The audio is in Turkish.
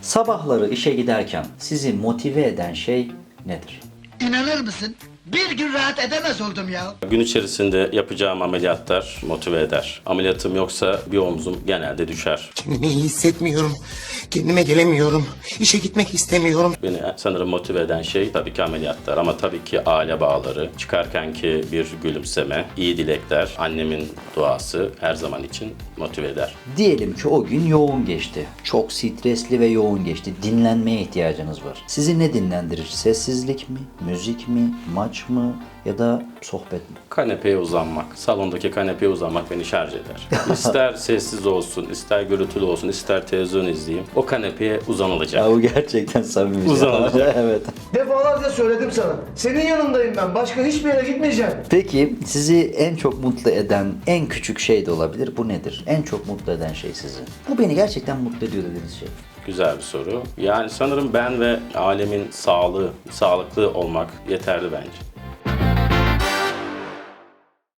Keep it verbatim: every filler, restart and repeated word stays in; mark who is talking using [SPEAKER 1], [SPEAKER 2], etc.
[SPEAKER 1] Sabahları işe giderken sizi motive eden şey nedir?
[SPEAKER 2] İnanır mısın? Bir gün rahat edemez oldum ya.
[SPEAKER 3] Gün içerisinde yapacağım ameliyatlar motive eder. Ameliyatım yoksa bir omzum genelde düşer.
[SPEAKER 4] Kendimi iyi hissetmiyorum. Kendime gelemiyorum. İşe gitmek istemiyorum.
[SPEAKER 3] Beni sanırım motive eden şey tabii ki ameliyatlar ama tabii ki aile bağları, çıkarkenki bir gülümseme, iyi dilekler, annemin duası her zaman için motive eder.
[SPEAKER 1] Diyelim ki o gün yoğun geçti. Çok stresli ve yoğun geçti. Dinlenmeye ihtiyacınız var. Sizi ne dinlendirir? Sessizlik mi? Müzik mi? Maç mı? Ya da sohbet mi?
[SPEAKER 3] Kanepeye uzanmak, salondaki kanepeye uzanmak beni şarj eder. İster sessiz olsun, ister gürültülü olsun, ister televizyon izleyeyim. O kanepeye uzanılacak.
[SPEAKER 1] Ya bu gerçekten samimi.
[SPEAKER 3] Uzanılacak.
[SPEAKER 1] Evet.
[SPEAKER 5] Defalarca söyledim sana. Senin yanındayım ben. Başka hiçbir yere gitmeyeceğim.
[SPEAKER 1] Peki sizi en çok mutlu eden en küçük şey de olabilir. Bu nedir? En çok mutlu eden şey sizi. Bu beni gerçekten mutlu ediyor dediğiniz şey.
[SPEAKER 3] Güzel bir soru. Yani sanırım ben ve alemin sağlığı, sağlıklı olmak yeterli bence.